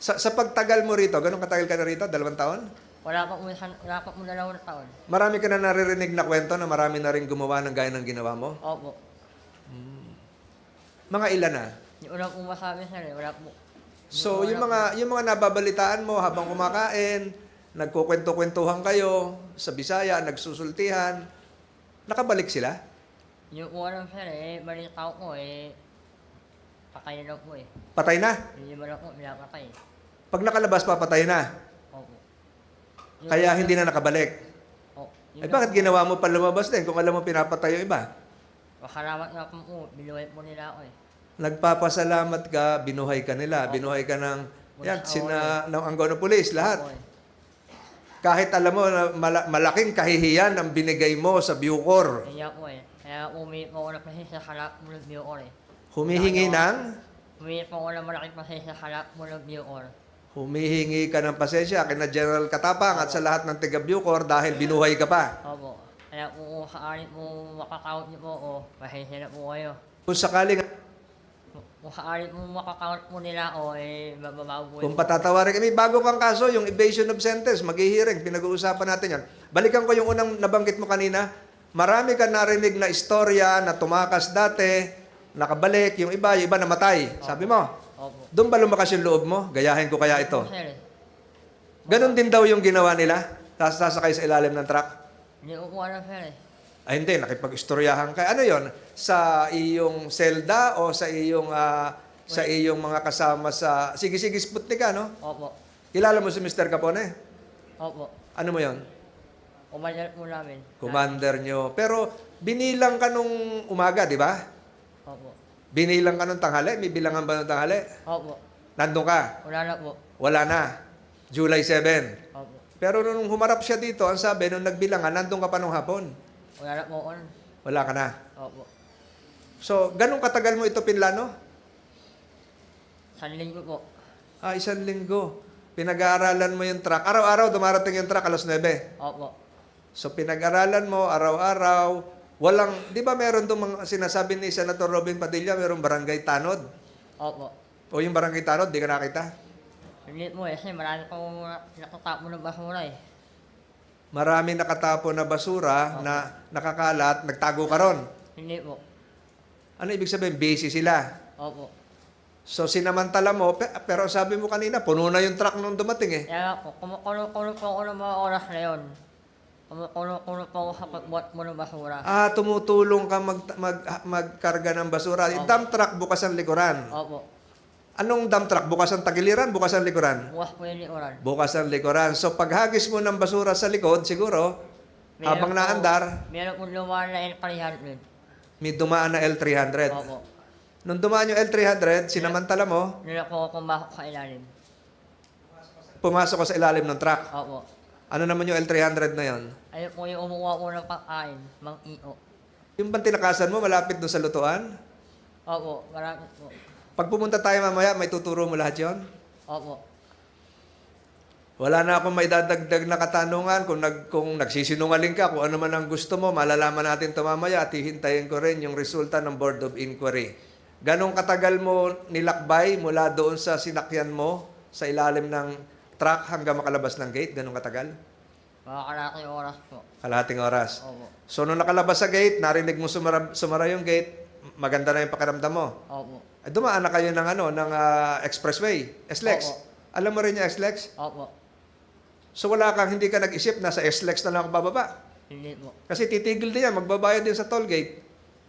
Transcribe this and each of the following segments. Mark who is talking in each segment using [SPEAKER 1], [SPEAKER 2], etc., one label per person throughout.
[SPEAKER 1] Sa pagtagal mo rito, ganun katagal ka na rito? 2 taon?
[SPEAKER 2] Wala pa mo 2 taon.
[SPEAKER 1] Marami ka na naririnig na kwento na marami na rin gumawa ng gaya ng ginawa mo?
[SPEAKER 2] Opo.
[SPEAKER 1] Mga ilan na?
[SPEAKER 2] Yung una pong masabi sir, wala po.
[SPEAKER 1] So, yung mga nababalitaan mo habang kumakain, nagkukwento-kwentuhan kayo sa Bisaya, nagsusultihan, nakabalik sila?
[SPEAKER 2] Yung una sir balita ko patay na daw po
[SPEAKER 1] Patay na?
[SPEAKER 2] Hindi ba na po pinapatay.
[SPEAKER 1] Pag nakalabas, papatay na.
[SPEAKER 2] Opo.
[SPEAKER 1] Kaya hindi na nakabalik. Eh bakit ginawa mo pa lumabas din kung alam mo pinapatay yung iba?
[SPEAKER 2] Makalamat nga po binuhay po nila ako
[SPEAKER 1] Nagpapasalamat ka, binuhay ka nila, binuhay ka ng ng anggaw ng pulis, lahat.
[SPEAKER 2] Opo
[SPEAKER 1] Kahit alam mo na malaking kahihiyan ang binigay mo sa Bucor.
[SPEAKER 2] Kaya po Kaya umiit po ako na pasensya sa kalap mo ng Bucor
[SPEAKER 1] Humihingi ng?
[SPEAKER 2] Umiit po ako na malaking pasensya sa kalap mo ng Bucor.
[SPEAKER 1] Humihingi ka ng pasensya kina General Katapang at sa lahat ng taga Bucor dahil binuhay ka pa.
[SPEAKER 2] Opo. Kaya kung sakali po makakount niyo po ako, pasensya na po kayo.
[SPEAKER 1] Kung sakaling,
[SPEAKER 2] Kung sakali po makakount po nila ako, mababago po
[SPEAKER 1] kung patatawarin kami, bago kang kaso, yung evasion of sentence, maghihiring, pinag-uusapan natin yan. Balikan ko yung unang nabanggit mo kanina. Marami ka narinig na istorya na tumakas dati, nakabalik, yung iba namatay. Sabi mo,
[SPEAKER 2] Opo.
[SPEAKER 1] doon ba lumakas yung loob mo? Gayahin ko kaya ito.
[SPEAKER 2] Sir,
[SPEAKER 1] Ganon din daw yung ginawa nila? Sasakay sa ilalim ng truck?
[SPEAKER 2] hindi ko po alam sir
[SPEAKER 1] Ay hindi, nakipag-istoryahan ka. Ano yon? Sa iyong selda o sa iyong mga kasama sa... Sige, Sputnik ka, no?
[SPEAKER 2] Opo.
[SPEAKER 1] Kilala mo si Mr. Capone?
[SPEAKER 2] Opo.
[SPEAKER 1] Ano mo yon?
[SPEAKER 2] Umadyal po namin.
[SPEAKER 1] Commander nyo. Pero binilang ka nung umaga, di ba?
[SPEAKER 2] Opo.
[SPEAKER 1] Binilang ka nung tanghali? May bilangan ba nung tanghali?
[SPEAKER 2] Opo.
[SPEAKER 1] Nandun ka?
[SPEAKER 2] Wala na po.
[SPEAKER 1] Wala na. July 7.
[SPEAKER 2] Opo.
[SPEAKER 1] Pero nung humarap siya dito, ang sabi, nung nagbilangan, nandun ka pa nung hapon.
[SPEAKER 2] Wala na po ako nun.
[SPEAKER 1] Wala ka na.
[SPEAKER 2] Opo.
[SPEAKER 1] So, ganun katagal mo ito pinlano?
[SPEAKER 2] Sanling ko po.
[SPEAKER 1] 1 linggo. Pinag-aaralan mo yung truck. Araw-araw dumarating yung truck 9:00.
[SPEAKER 2] Opo.
[SPEAKER 1] So, pinag-aralan mo araw-araw. Walang, di ba meron itong mga sinasabi ni Senator Robin Padilla, merong barangay tanod?
[SPEAKER 2] Opo.
[SPEAKER 1] O yung barangay tanod, di ka nakita?
[SPEAKER 2] Hindi po kasi marami pong nakatapo ng basura
[SPEAKER 1] Marami nakatapo na basura na nakakalat, nagtago ka ron.
[SPEAKER 2] Hindi po.
[SPEAKER 1] Ano ibig sabihin? Busy sila.
[SPEAKER 2] Opo.
[SPEAKER 1] So, sinamantala mo, pero sabi mo kanina, puno na yung truck nung dumating eh.
[SPEAKER 2] Kaya po, kumukulo po ako ng mga oras na yun. Kumukulo po ako sa pagbuhat mo ng basura.
[SPEAKER 1] Tumutulong ka magkarga ng basura. Yung dump truck, bukas ang likuran.
[SPEAKER 2] Opo.
[SPEAKER 1] Anong dump truck? Bukas ang tagiliran, bukas ang likuran?
[SPEAKER 2] Bukas po yung likuran.
[SPEAKER 1] Bukas ang likuran. So, paghagis mo ng basura sa likod, siguro, habang naandar,
[SPEAKER 2] Meron po lumaan na L300.
[SPEAKER 1] may dumaan na L300.
[SPEAKER 2] Opo.
[SPEAKER 1] Nung dumaan yung L300, sinamantala mo,
[SPEAKER 2] Nila po ako kumakot sa ilalim.
[SPEAKER 1] pumasok ka sa ilalim ng truck.
[SPEAKER 2] Opo.
[SPEAKER 1] Ano naman yung L300 na yon?
[SPEAKER 2] Ayun po yung umuha ko ng pagkain, mang iyo.
[SPEAKER 1] Yung bang tinakasan mo, malapit doon sa lutuan?
[SPEAKER 2] Opo, marami po.
[SPEAKER 1] Pag pumunta tayo mamaya, may tuturo mo lahat yon?
[SPEAKER 2] Opo.
[SPEAKER 1] Wala na akong may dadagdag na katanungan. Kung nagsisinungaling ka, kung ano man ang gusto mo, malalaman natin ito mamaya at hihintayin ko rin yung resulta ng Board of Inquiry. Ganong katagal mo nilakbay mula doon sa sinakyan mo sa ilalim ng truck hanggang makalabas ng gate? Ganong katagal?
[SPEAKER 2] Mga kalaking oras po.
[SPEAKER 1] Kalahating oras.
[SPEAKER 2] Opo.
[SPEAKER 1] So, nung nakalabas sa gate, narinig mo sumara yung gate, maganda na yung pakiramdam mo.
[SPEAKER 2] Opo.
[SPEAKER 1] Ay, dumaan na kayo ng expressway, SLEX.
[SPEAKER 2] Opo.
[SPEAKER 1] Alam mo rin yung SLEX?
[SPEAKER 2] Opo.
[SPEAKER 1] So, hindi ka nag-isip na sa SLEX na lang ako bababa.
[SPEAKER 2] Hindi po.
[SPEAKER 1] Kasi titigil din yan, magbabayad din sa toll gate.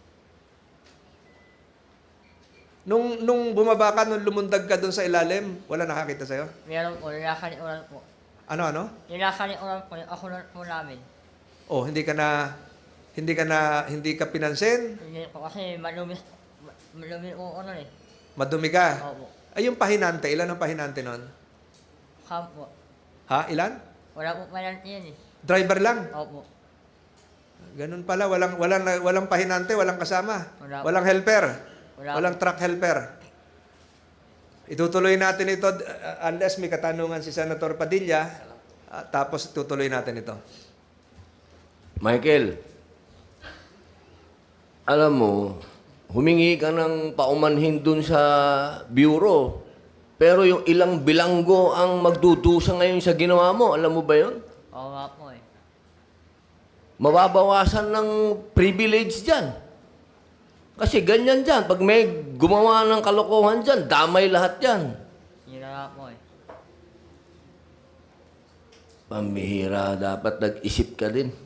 [SPEAKER 1] Nung bumaba ka, nung lumundag ka doon sa ilalim, wala nakakita sa'yo?
[SPEAKER 2] Meron po, nilakaliuran po.
[SPEAKER 1] Ano?
[SPEAKER 2] Nilakaliuran po, ako na po namin.
[SPEAKER 1] Oh, hindi ka pinansin?
[SPEAKER 2] Hindi po kasi malumi po ano
[SPEAKER 1] Madumi ka?
[SPEAKER 2] Opo.
[SPEAKER 1] Ay, yung pahinante, ilan ang pahinante nun?
[SPEAKER 2] Camp po.
[SPEAKER 1] Ha? Ilan?
[SPEAKER 2] Wala po pala yan
[SPEAKER 1] Driver lang?
[SPEAKER 2] Opo.
[SPEAKER 1] Ganun pala, walang pahinante, walang kasama.
[SPEAKER 2] Wala.
[SPEAKER 1] Walang helper.
[SPEAKER 2] Wala.
[SPEAKER 1] Walang truck helper. Itutuloy natin ito unless may katanungan si Senator Padilla, tapos tutuloy natin ito.
[SPEAKER 3] Michael, alam mo, humingi ka ng paumanhin dun sa bureau. Pero yung ilang bilanggo ang magdudusa ngayon sa ginawa mo, alam mo ba yun?
[SPEAKER 2] Oo nga po eh.
[SPEAKER 3] Mababawasan ng privilege dyan. Kasi ganyan dyan. Pag may gumawa ng kalokohan dyan, damay lahat dyan.
[SPEAKER 2] Yun na nga po eh.
[SPEAKER 3] Pamihira, dapat nag-isip ka din.